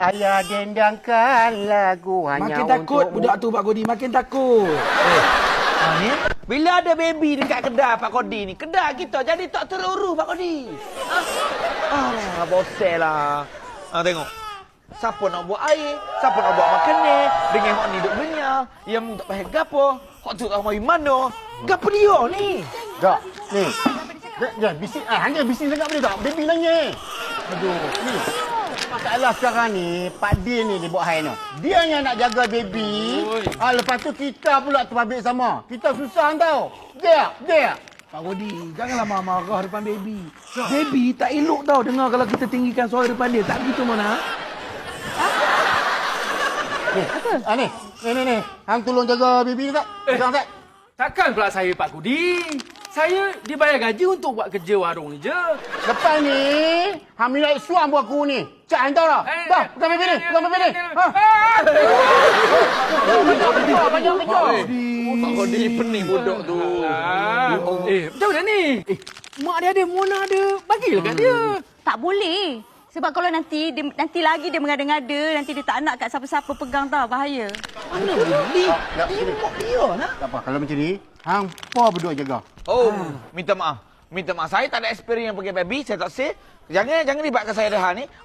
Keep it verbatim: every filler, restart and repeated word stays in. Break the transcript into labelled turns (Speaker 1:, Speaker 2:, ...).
Speaker 1: Ayah dendangkan lagu hanya
Speaker 2: Makin takut
Speaker 1: untukmu.
Speaker 2: budak tu Pak Kodi, makin takut.
Speaker 3: Eh, ha, ni? Bila ada baby dekat kedai Pak Kodi ni, kedai kita jadi tak terurus Pak Kodi. Ah, ah bosel lah. Ha, tengok. Siapa nak buat air, siapa nak buat makanan, dengan hok ni duk benyah, yang tak payah gapo, hok tu tak mari mana. Gapo dia ni?
Speaker 1: Tak, ni. Jangan bising. Ah, hanya bising sangat boleh tak? Baby nangis. Aduh, ni. Masalah sekarang ni, Pak Din ni dia buat hal ni. Dia yang nak jaga baby. Ah, lepas tu kita pula terbabit sama. Kita susah tau. Dia, dia.
Speaker 2: Pak Kodi, janganlah marah-marah depan baby. Baby tak elok tau dengar kalau kita tinggikan suara depan dia. Tak begitu mana?
Speaker 1: Ni, ah, ni. Ni, ni, ni. Hang tolong jaga baby ni tak?
Speaker 4: Eh.
Speaker 1: Jangan tak?
Speaker 4: Takkan pula saya Pak Kudi. Saya dibayar gaji untuk buat kerja warung ni je.
Speaker 1: Lepas ni, hang minta suam buat aku ni. Cak hang tahu tak?
Speaker 4: Eh,
Speaker 1: Dah,
Speaker 4: eh,
Speaker 1: bukan baby ni.
Speaker 4: eh,
Speaker 1: Bukan baby ni.
Speaker 4: eh,
Speaker 1: Ha.
Speaker 4: Ah!
Speaker 1: Banyak kerja, banyak kerja.
Speaker 3: Pak Kodi pening budak tu.
Speaker 4: Ah. Eh, macam mana ni? Eh, mak dia ada, Mona ada. Bagilah kat dia.
Speaker 5: Tak boleh. Sebab kalau nanti dia, nanti lagi dia mengada-ngada, nanti dia tak nak kat siapa-siapa pegang tau, bahaya.
Speaker 3: Mana boleh?
Speaker 1: Tak,
Speaker 3: Dia mak dia nak.
Speaker 1: tak apa, kalau macam ni, hang pa berdua jaga.
Speaker 3: Oh, minta maaf. Minta maaf. Saya tak ada experience pakai baby, saya tak say. Jangan jangan libatkan saya dah ni.